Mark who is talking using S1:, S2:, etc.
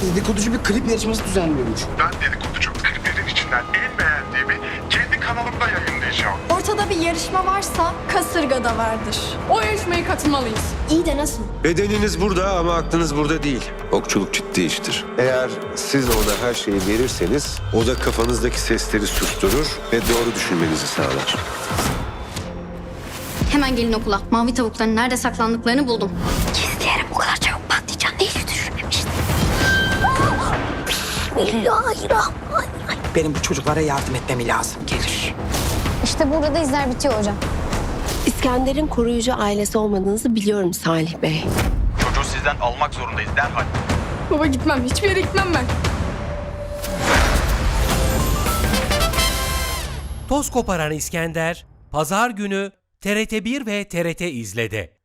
S1: dedikoducu bir klip yarışması düzenliyormuş.
S2: Ben dedikoducu kliplerin içinden en beğendiğimi kendi kanalımda yayınlayacağım.
S3: Ortada bir yarışma varsa kasırga da vardır.
S4: O yarışmaya katılmalıyız.
S3: İyi de nasıl?
S5: Bedeniniz burada ama aklınız burada değil. Okçuluk ciddi iştir. Eğer siz ona her şeyi verirseniz o da kafanızdaki sesleri susturur ve doğru düşünmenizi sağlar.
S6: Hemen gelin okula. Mavi tavukların nerede saklandıklarını buldum. Gizleyelim, o kadar çabuk patlayacağını hiç düşünmemiştim. Bismillahirrahmanirrahim.
S7: Benim bu çocuklara yardım etmem lazım. Gelir.
S6: İşte burada da izler bitiyor hocam.
S8: İskender'in koruyucu ailesi olmadığınızı biliyorum Salih Bey.
S9: Çocuğu sizden almak zorundayız derhal.
S4: Baba gitmem. Hiçbir yere gitmem ben.
S10: Toz koparan İskender, Pazar günü TRT1 ve TRT İzle'de.